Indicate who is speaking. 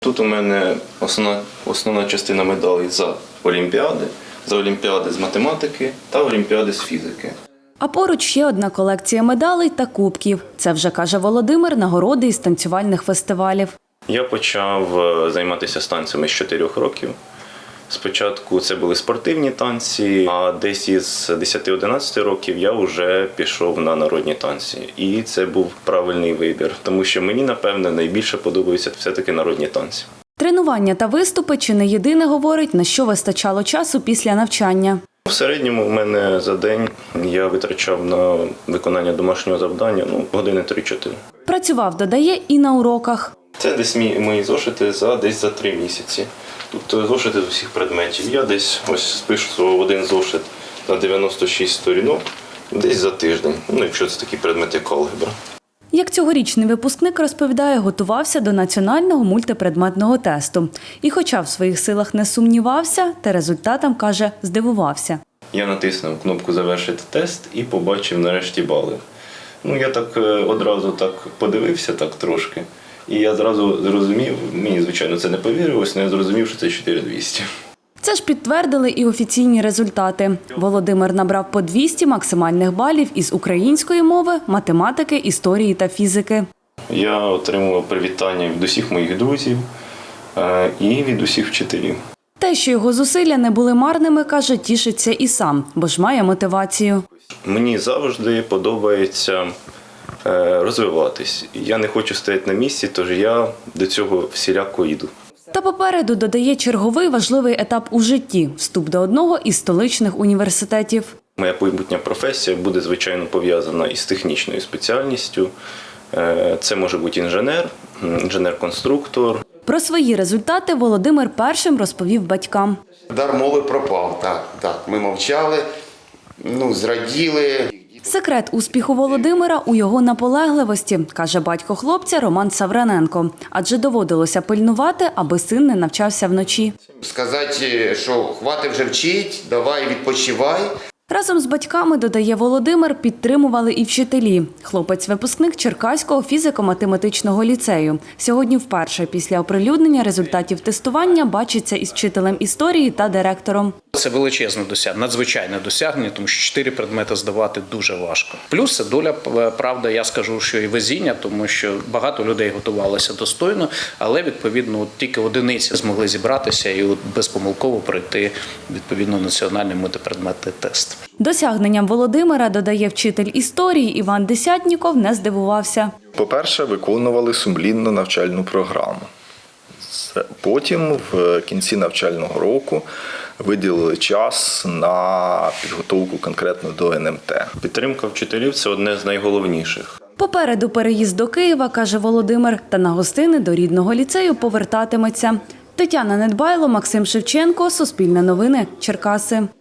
Speaker 1: Тут у мене основна частина медалей за олімпіади з математики та олімпіади з фізики.
Speaker 2: А поруч ще одна колекція медалей та кубків. Це вже, каже Володимир, нагороди із танцювальних фестивалів.
Speaker 1: Я почав займатися танцями з 4 років. Спочатку це були спортивні танці, а десь із 10-11 років я вже пішов на народні танці. І це був правильний вибір, тому що мені, напевне, найбільше подобаються все-таки народні танці.
Speaker 2: Тренування та виступи чи не єдине говорить, на що вистачало часу після навчання.
Speaker 1: В середньому в мене за день я витрачав на виконання домашнього завдання години 3-4.
Speaker 2: Працював, додає, і на уроках.
Speaker 1: Це десь мої зошити десь за 3 місяці. Тут зошити з усіх предметів. Я десь спишу один зошит на 96 сторінок, десь за тиждень, якщо це такі предмети, як алгебра.
Speaker 2: Як цьогорічний випускник розповідає, готувався до національного мультипредметного тесту. І хоча в своїх силах не сумнівався, та результатам, каже, здивувався.
Speaker 1: Я натиснув кнопку «Завершити тест» і побачив нарешті бали. Я так одразу подивився трошки. І я зразу зрозумів, мені, звичайно, це не повірилось, але я зрозумів, що це 4200.
Speaker 2: Це ж підтвердили і офіційні результати. Володимир набрав по 200 максимальних балів із української мови, математики, історії та фізики.
Speaker 1: Я отримував привітання від усіх моїх друзів і від усіх вчителів.
Speaker 2: Те, що його зусилля не були марними, каже, тішиться і сам, бо ж має мотивацію.
Speaker 1: Мені завжди подобається розвиватись. Я не хочу стояти на місці, тож я до цього всіляко йду.
Speaker 2: Та попереду, додає, черговий важливий етап у житті – вступ до одного із столичних університетів.
Speaker 1: Моя майбутня професія буде, звичайно, пов'язана із технічною спеціальністю. Це може бути інженер-конструктор.
Speaker 2: Про свої результати Володимир першим розповів батькам.
Speaker 3: Дар мови пропав, так. Ми мовчали, зраділи.
Speaker 2: Секрет успіху Володимира у його наполегливості, каже батько хлопця Роман Савраненко. Адже доводилося пильнувати, аби син не навчався вночі.
Speaker 3: Сказати, що хватить вже вчить, давай відпочивай.
Speaker 2: Разом з батьками, додає Володимир, підтримували і вчителі. Хлопець-випускник Черкаського фізико-математичного ліцею. Сьогодні вперше після оприлюднення результатів тестування бачиться із вчителем історії та директором.
Speaker 4: Це величезне досягнення, надзвичайне досягнення, тому що 4 предмети здавати дуже важко. Плюс це доля, правда, я скажу, що і везіння, тому що багато людей готувалося достойно, але, відповідно, тільки одиниці змогли зібратися і безпомилково пройти, відповідно, національний мультипредметний тест.
Speaker 2: Досягненням Володимира, додає вчитель історії Іван Десятніков, не здивувався.
Speaker 5: По-перше, виконували сумлінно навчальну програму. Потім, в кінці навчального року, виділили час на підготовку конкретно до НМТ.
Speaker 1: Підтримка вчителів – це одне з найголовніших.
Speaker 2: Попереду переїзд до Києва, каже Володимир, та на гостини до рідного ліцею повертатиметься. Тетяна Недбайло, Максим Шевченко, Суспільне новини, Черкаси.